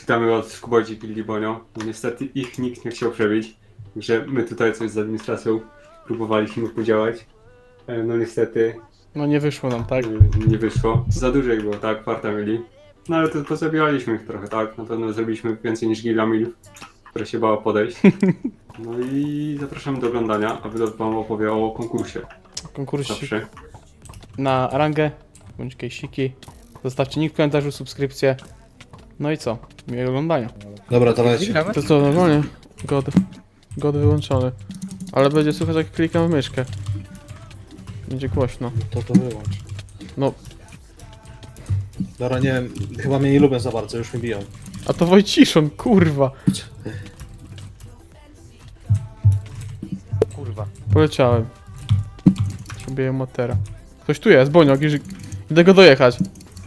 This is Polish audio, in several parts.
Witamy od Skubodzi Pilli Bonio. No niestety ich nikt nie chciał przebić, że my tutaj coś z administracją próbowaliśmy podziałać. No niestety No nie wyszło nam, tak? nie wyszło. Za dużo ich było, tak? Kwarta mieli. No ale to pozabijaliśmy ich trochę, tak? Na pewno zrobiliśmy więcej niż Gila Milf, która się bała podejść. No i zapraszamy do oglądania, a Wylot wam opowie o konkursie. Konkursik Zawsze. na rangę, bądź kejsiki. Zostawcie nick w komentarzu, subskrypcję. No i co? Miłego oglądania. Dobra, dawajcie. To co, normalnie? God wyłączony. Ale będzie słychać, jak klikam w myszkę. Będzie głośno. To wyłącz. No, Dobra, nie wiem, chyba mnie nie lubią za bardzo, już mi biją. a to Wojciszon, kurwa. Kurwa. Poleciałem. Przebiję matera. Ktoś tu jest, Boniok, idę go dojechać.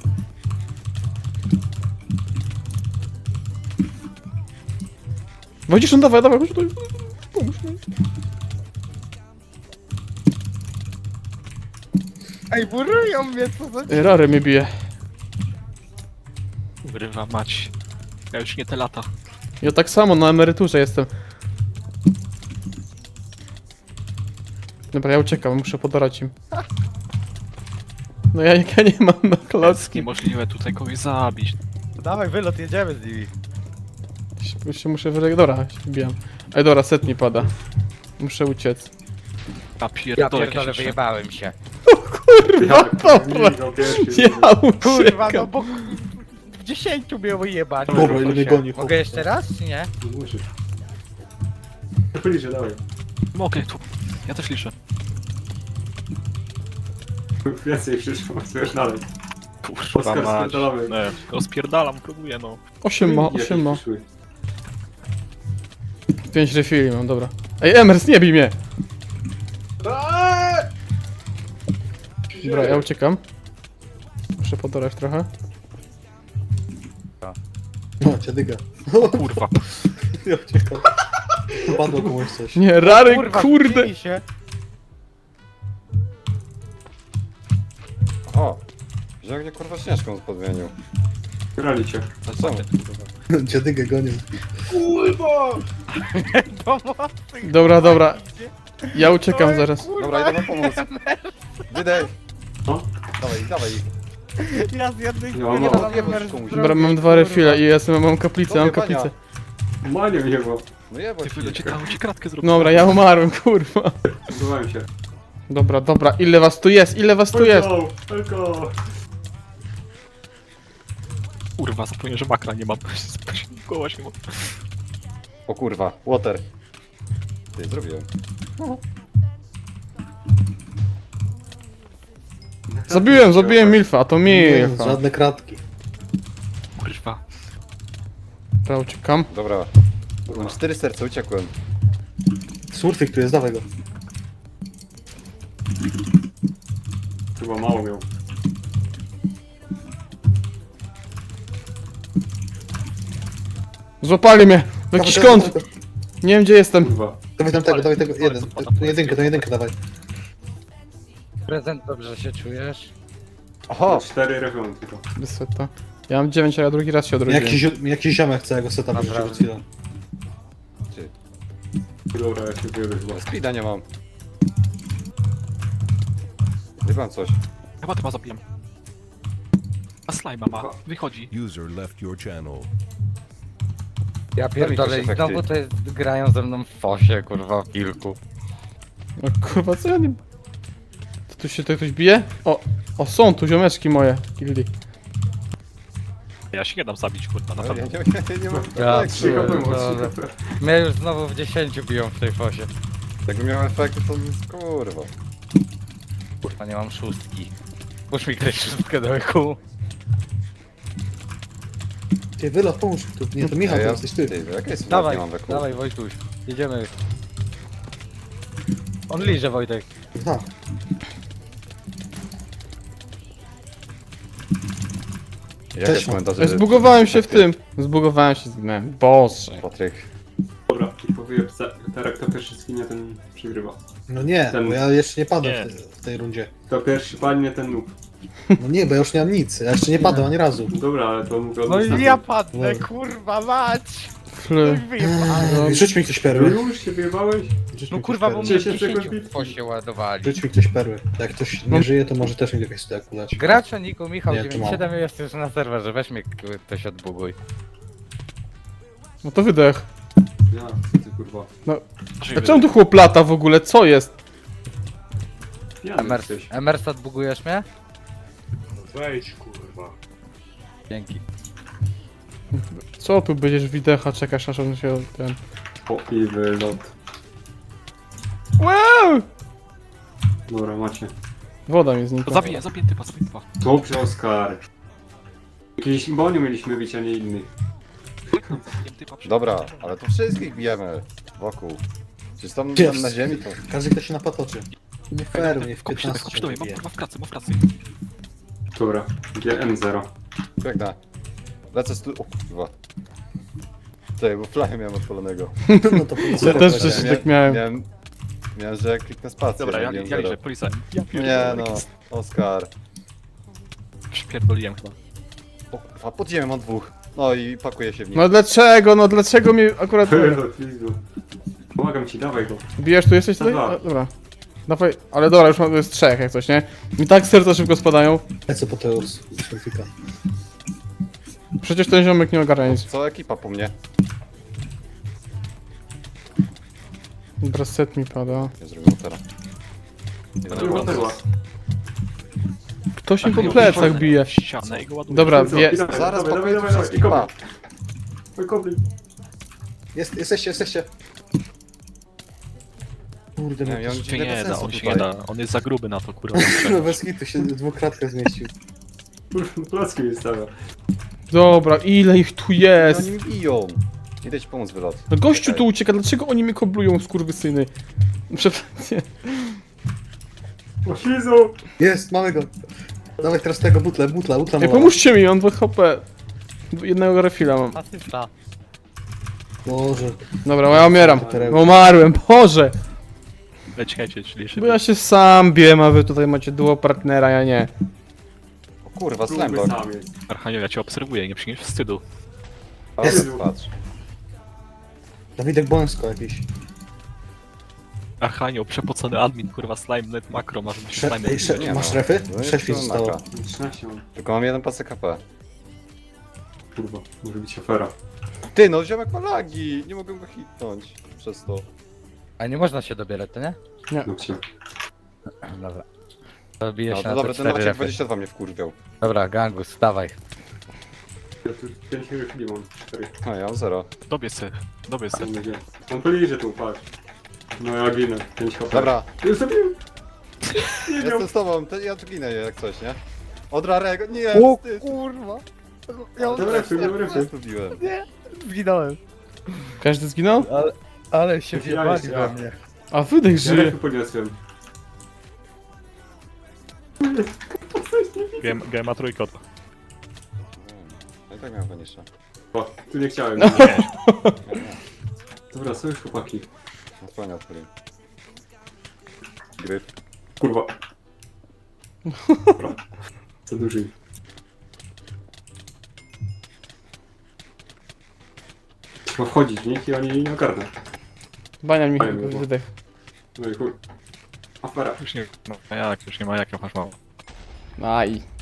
Wojciszon, dawaj, chodź tutaj. Pomóż mi. Ej, burują mnie, co za... Rary mnie bije. Wyrywa mać. Ja już nie te lata. Ja tak samo na emeryturze jestem. Dobra, ja uciekam, muszę podorać im. No ja nie mam na klocki. Niemożliwe tutaj kogoś zabić. Dawaj, wylot, jedziemy z nimi. Się muszę Dobra, się wbijam. Ej, dobra, set mi pada. Muszę uciec. A Ja pierdolę, pierdolę, jakieś wyjebałem się. Kurwa, dobra. Pierwszy, Ja Kurwa, no uciekam. bo... W 10 mnie wyjebać. Dobra, ile mnie goni, chłop. Mogę jeszcze raz, czy nie? Nie musisz. Bliżej, dawaj. Mogę tu. Ja też liczę. Więcej przyszło, chcesz dalej. Kurwa Oskar, mać. spierdalamy. Nie, rozpierdalam, próbuję no. 8 ma, Jakieś 8 ma. przyszły. 5 refili mam, dobra. Ej, Emers, nie bij mnie! Dobra, ja uciekam. Muszę podorać trochę. No, dziadyga. Kurwa. Ja uciekam. Padło komuś coś. Nie, rary, Kurwa, kurde! wbili się. O! Wziął mnie kurwa śnieżką podmienił. Grali cię. A co? Dziadygę gonił. Pomocy. Dobra. Ja uciekam zaraz. Dobra, idę na pomoc. Wydaj! O? Dawaj. Ja z jednej Ja mam nie mało. wiem, jak Komuś. Dobra, mam 2 refile i jestem, mam kaplicę, mam Dobra, kaplicę. Manie mnie, bo No jebać Ty wylocie ci kratkę zrobił. Dobra, ja umarłem, kurwa. próbowałem się. Dobra, ile was tu jest? Ile was tu jest? Tylko! Kurwa, zapomniałem, że makra nie mam. Koła się mam. O kurwa, water. Ty, zrobiłem. Zabiłem Milfa, a to Nie, Milfa. żadne kratki. Kurwa. Dobra, uciekam. Dobra. Mam 4 serca, uciekłem. Surfik tu jest, dawaj go. Chyba mało miał. Złapali mnie! W jakiś kąt! Nie wiem gdzie jestem. Kurwa. Dawaj tam tego, dawaj tego, jeden. To jedynkę dawaj. Prezent, dobrze się czujesz? Oho! 4 refrony tylko. Wysota. Ja mam 9, a ja drugi raz się odrodziłem. Jakiś ziomek całego seta wyrzucił Dobra. przed chwilą. Dobra, ja się wyjadę chyba. Speeda nie mam. Wybam coś. Chyba zabiłem. A slajma ma. Wychodzi. User left your channel. Ja pierdolę, i efekty. znowu to jest, grają ze mną w fosie, kurwa, w kilku. No kurwa, co ja nie... To tu się ktoś bije? O, są tu ziomeczki moje. Gildi. Ja się nie dam zabić, kurwa, na No, pewno. nie mam Ja efektu. Cicho pierdolę. było, Mnie już znowu w 10 biją w tej fosie. Jakbym miał efekty, to kurwa. Kurwa, nie mam szóstki. Muszę mi grać szóstkę do eku. Ty, Wylot, pomóż mi tu. Nie, to Michał, to jesteś ty. Ty, jaka jest Dawaj, nie mam weku. dawaj Wojtuś, jedziemy. On liże, Wojtek. Tak. Jaka jest Cześć, komentarze? Zbugowałem się w tym. Zbugowałem się, zginąłem. Boże. Patryk. Dobra, i powiem, Terek to pierwszy skinie, ten przegrywa. No nie, Ten- bo ja jeszcze nie padłem Nie. w tej rundzie. To pierwszy padnie ten noob. No nie, bo ja już nie mam nic. Ja jeszcze nie padłem ani razu. Dobra, ale to mówię No i na ja tym. padnę, No. kurwa mać! Fly. Rzuć mi ktoś No perły. już się wyjebałeś? Rzuć No mi kurwa, ktoś bo perły. mnie 10 sekund 10 się ładowali. Rzuć mi ktoś perły. Jak ktoś nie żyje, to może też mi jakaś staku dać. Gracza Niku Michał Nie, to 97 jest już na serwerze, weź mnie ktoś odbuguj. No to wydech. Ja, co ty kurwa. A czemu tu chłop lata w ogóle? Co jest? Pijany Emers, jesteś. Emers odbugujesz mnie? Wejdź kurwa. Dzięki. Co tu będziesz widecha, czekasz aż on się ten... O i wylot. Wow! Dobra, macie. Woda mi znikła. Zabiję typa, zabiję typa. Dobrze, Oskar. Jakiś boniu mieliśmy być, a nie inny. Zabiję typa przy- Dobra, ale to wszystkich bijemy wokół. Czy tam Jest. na ziemi to... Każdy ktoś się napatoczy. Nie fair, mnie w Kopisz, 15 kopisz do mnie, mam bije. kurwa w pracy, mam w pracy. Dobra, GM0. Biegnę. Lecę stu... O kurwa. Czekaj, bo flagę miałem odpalonego. No to Ja też coś tak miałem. Miałem, że jak kliknę spację. Dobra, ja miałem liczę, zero. polisa. Ja Nie pierdolę. no, Oskar. Przypierdoliłem chyba. O kurwa, pod ziemią mam dwóch. No i pakuję się w nich. No dlaczego? No dlaczego mi akurat... Wylot, Lizu. Pomagam ci, dawaj go. Bijesz, tu jesteś tutaj? Dwa. A, dobra. Dawaj, ale dobra, już mam, to jest 3 jak coś, nie? Mi tak serca szybko spadają. Lecę po tego selfika. Przecież ten ziomek nie ogarnia nic. Co ekipa po mnie? Dobra, set mi pada. Nie zrobię teraz. Kurwa, perła. Ktoś mi po plecach bije. Ścianę i go ładuję. Dobra, Co? wie... Dawaj, Zaraz dawaj, pakuję dawaj, dawaj, wszystkich, i kopnij. pa. Oj, kopnij. Jesteście. Kurde, Nie, mnie ja to mam się nie bez da, sensu on się tutaj. nie da. On jest za gruby na to, kurwa. No bez hitu się w dwukratkę zmieścił. Kurwa, placki mi stawia. Dobra, ile ich tu No jest? oni mi biją. Idę ci pomóc wylot. No gościu Czekaj. tu ucieka, dlaczego oni mnie koblują, skurwysyny? Przepraszam. O, Lizu! Jest, mamy go. Dawaj teraz tego butla Ej, mała. pomóżcie mi, on 2 HP. Jednego refila mam. Asysta. Boże. Dobra, ja umieram. Perełki. Umarłem, Boże! Czekajcie, czyli Bo ja się sam biłem, a wy tutaj macie duo partnera, ja nie. O kurwa, Próbuj slamlock. sam jest. Archanio, ja cię obserwuję, nie przyjmiesz wstydu. Ale Jest. patrz. Dawidek Bońsko jakiś. Archanio, przepocony admin, kurwa, slime, net makro, masz być slime. Nie Masz no. refy? No jest 6 mi to zostało. maka. 13 mam. Tylko mam jeden pasek HP. Kurwa, może być afera. Ty no, ziomek ma lagi. Nie mogę go hitnąć przez to. A nie można się dobierać, to nie? No cię. Dobra. To bije No się to na dobra, te ten 4 Maciek refy. 22 mnie wkurwiał. Dobra, Gangus, dawaj. Ja tu 5 refili mam. 4. No ja mam 0. Dobie se. Mam nadzieję. On poliże tu, patrz. No ja ginę. 5 HP. Dobra, Już zabiłem! Nie miał. jestem z tobą, ja tu ginę jak coś, nie? Od Rarego, nie, O wstyd. kurwa. Dobra, Ja zgubiłem. Zginąłem. Każdy zginął? Ale się Zginąłeś, wjebali ja. we mnie. A wydech Ja żyje. refy podniosłem. Gema trójkot. No i tak miałem Vanisha. O, tu nie chciałem. Nie, nie. Dobra, są już chłopaki. Odsłania odpaliłem. Gryf. Kurwa. Dobra. Co duży. Trzeba wchodzić w nich i oni nie ogarną. Bania mi Fajnie było. wydech. No i chuj. Afera. Już nie, no jak, już nie ma jak, masz mało. Aj.